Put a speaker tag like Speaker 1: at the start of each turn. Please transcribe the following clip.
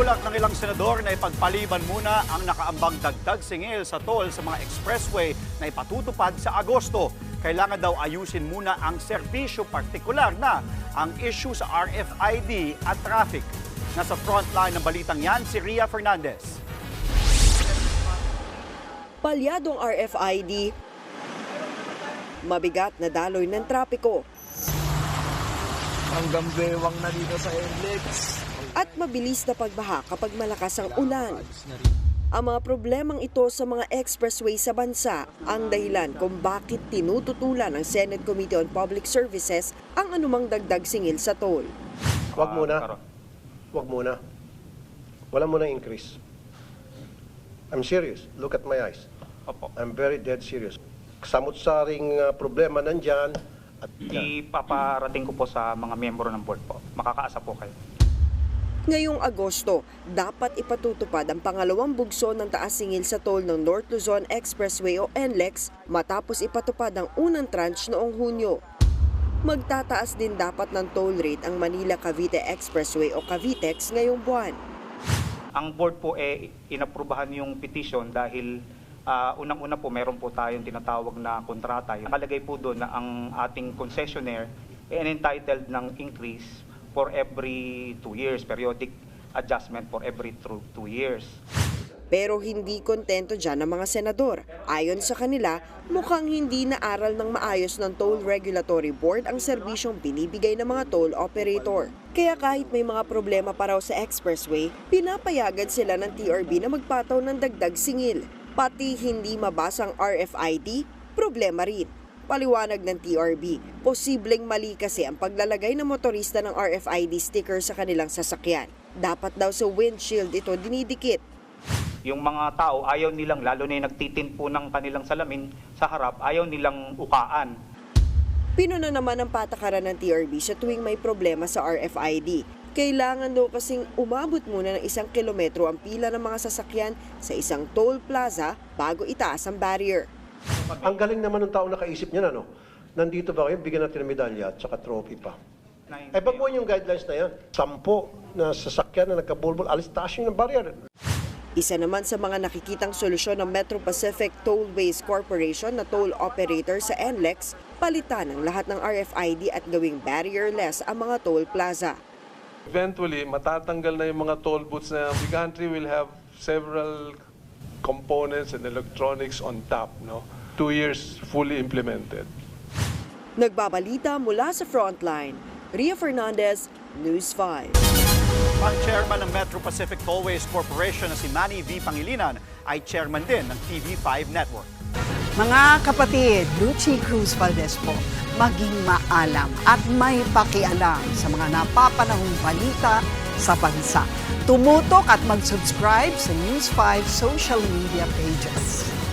Speaker 1: Balak ng ilang senador na ipagpaliban muna ang nakaambang dagdag singil sa toll sa mga expressway na ipatutupad sa Agosto. Kailangan daw ayusin muna ang serbisyo, partikular na ang issue sa RFID at traffic. Nasa frontline ng balitang yan si Ria Fernandez.
Speaker 2: Palyadong RFID, mabigat na daloy ng trapiko,
Speaker 3: hanggang bewang na dito sa NLEX.
Speaker 2: at mabilis na pagbaha kapag malakas ang ulan. Ang mga problemang ito sa mga expressway sa bansa ang dahilan kung bakit tinututulan ng Senate Committee on Public Services ang anumang dagdag singil sa toll.
Speaker 4: Wag muna. Wag muna. Wala muna increase. I'm serious. Look at my eyes.
Speaker 5: Opo.
Speaker 4: I'm very dead serious. Samut-saring problema nandyan. At
Speaker 5: Ipaparating ko po sa mga miyembro ng board po. Makakaasa po kayo.
Speaker 2: Ngayong Agosto, dapat ipatutupad ang pangalawang bugso ng taas singil sa toll ng North Luzon Expressway o NLEX matapos ipatupad ang unang tranche noong Hunyo. Magtataas din dapat ng toll rate ang Manila-Cavite Expressway o Cavitex ngayong buwan.
Speaker 5: Ang board po inaprubahan yung petition dahil unang-una po meron po tayong tinatawag na kontrata. Nakalagay po doon na ang ating concessionaire entitled ng increase for every 2 years, periodic adjustment for every 2 years.
Speaker 2: Pero hindi kontento dyan ang mga senador. Ayon sa kanila, mukhang hindi naaral ng maayos ng Toll Regulatory Board ang serbisyong binibigay ng mga toll operator. Kaya kahit may mga problema pa raw sa expressway, pinapayagan sila ng TRB na magpataw ng dagdag singil. Pati hindi mabasang RFID, problema rin. Paliwanag ng TRB, posibleng mali kasi ang paglalagay ng motorista ng RFID sticker sa kanilang sasakyan. Dapat daw sa windshield ito dinidikit.
Speaker 5: Yung mga tao, ayaw nilang, lalo na yung nagtitint po ng kanilang salamin sa harap, ayaw nilang ukaan.
Speaker 2: Pinuna naman ang patakaran ng TRB sa tuwing may problema sa RFID. Kailangan daw kasing umabot muna ng 1 kilometro ang pila ng mga sasakyan sa isang toll plaza bago itaas ang barrier.
Speaker 4: ang galing naman ng tao nakaisip niyan, ano? Nandito ba kayo? Bigyan natin ng medalya at saka trophy pa. Ay, baguhin yung guidelines na yan. 10 na sasakyan na nagkabulbul, alis taas yung barrier.
Speaker 2: Isa naman sa mga nakikitang solusyon ng Metro Pacific Tollways Corporation na toll operator sa NLEX, palitan ang lahat ng RFID at gawing barrierless ang mga toll plaza.
Speaker 6: Eventually, matatanggal na yung mga toll booths na the country will have several components and electronics on top, no? 2 years fully implemented.
Speaker 2: Nagbabalita mula sa Frontline, Ria Fernandez, News 5.
Speaker 1: Ang chairman ng Metro Pacific Tollways Corporation na si Manny V. Pangilinan ay chairman din ng TV5 Network.
Speaker 7: Mga kapatid, Lucy Cruz Valdez po, maging maalam at may pakialam sa mga napapanahong balita sa bansa. Tumutok at mag-subscribe sa News 5 social media pages.